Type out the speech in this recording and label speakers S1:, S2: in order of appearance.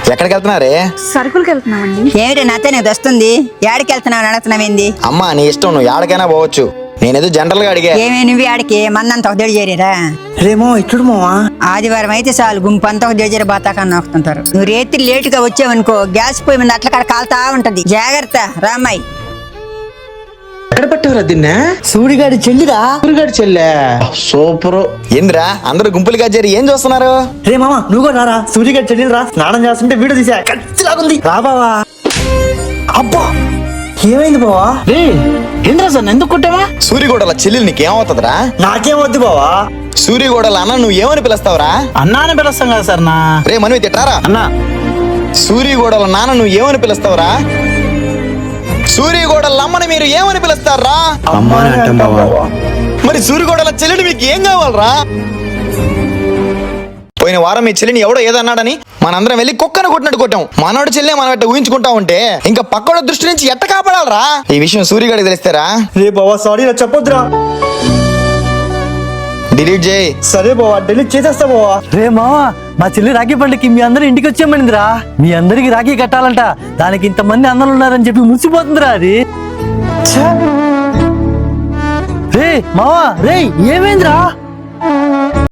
S1: ఎక్కడికి వెళ్తున్నారే?
S2: సరుకులకి వెళ్తున్నామండి.
S3: ఏమిటి నాతో నీకు వస్తుంది? ఏడికి వెళ్తున్నావు అడుగుతున్నావేంది?
S1: అమ్మా నీ ఇష్టం, నువ్వు ఎక్కడికైనా పోవచ్చు. నేనేదో జనరల్ గా అడిగా.
S3: ఏమే నువ్వు ఆడికి మందంతా ఒక దేడు చేరేరా?
S4: రేమో ఇట్లు మావా,
S3: ఆదివారం అయితే చాలు గుంపు అంతా ఒక దేజర బాతాకన్నా నొక్కుతుంటారు. నువ్వు రేత్రి లేటుగా వచ్చావనుకో గ్యాస్ పొయ్యి మీద అట్ల కాడ కాలుతా ఉంటది. జాగ్రత్త రామ్మాయి.
S4: ఎక్కడ పట్టావురా దీన్నే?
S5: సూడిగాడి చెల్లిరా.
S4: సూరిగాడి చెల్లె సూపర్.
S1: ఏంద్రా అందరూ గుంపులుగా చేరి ఏం చూస్తున్నారు?
S5: రే మామ నువ్వు కూడా రారా, సూడిగాడి చెల్లిరా. స్నానం చేస్తుంటే వీడియో తీసా, ఖచ్చితంగా రా బావా. అబ్బా ఏమైంది బావా?
S4: ఏంద్రా సార్ ఎందుకు కొట్టావా?
S1: సూరిగోడల చెల్లెలు నీకేమవుతుందిరా?
S5: నాకేం వద్దు బావా.
S1: సూరిగోడల అన్న నువ్వు ఏమని పిలుస్తావురా?
S4: అన్నానే పిలుస్తాం కదా సార్. నా
S1: రే మనవి తిట్టారా?
S4: అన్నా
S1: సూరిగోడల నాన్న నువ్వు ఏమని పిలుస్తావురా? సూరిగోడల అమ్మని మీరు ఏమని పిలుస్తారా?
S4: అమ్మానే అంటాం బావా.
S1: మరి సూరిగోడల చెల్లెని మీకు ఏం కావాలరా? పోయిన వారం మీ చెల్లిని ఎవడో ఏదన్నాడని మనందరం వెళ్ళి కుక్కను కొట్టినట్టు కొట్టాం. మనోడి చెల్లె మనం ఎట్ట ఊహించుకుంటా ఉంటే ఇంకా పక్కడో దృష్టి నుంచి ఎట్ట కాపాడాలరా? ఈ విషయం సూరిగాడికి తెలిస్తారా?
S5: రే బావా సారీ, నా చెప్పొద్దురా.
S1: డిలీట్ చేయి.
S5: సరే బావా, డెలీట్ చేసేస్తా బావా. రే మావా, మా చెల్లి రాఖీ పండుగకి మీ అందరూ ఇంటికి వచ్చేయమనిందిరా. మీ అందరికి రాఖీ కట్టాలంట, దానికి ఇంతమంది అన్నలు ఉన్నారని చెప్పి మురిసిపోతుందిరా అది. రే మావా, రే ఏమైందిరా?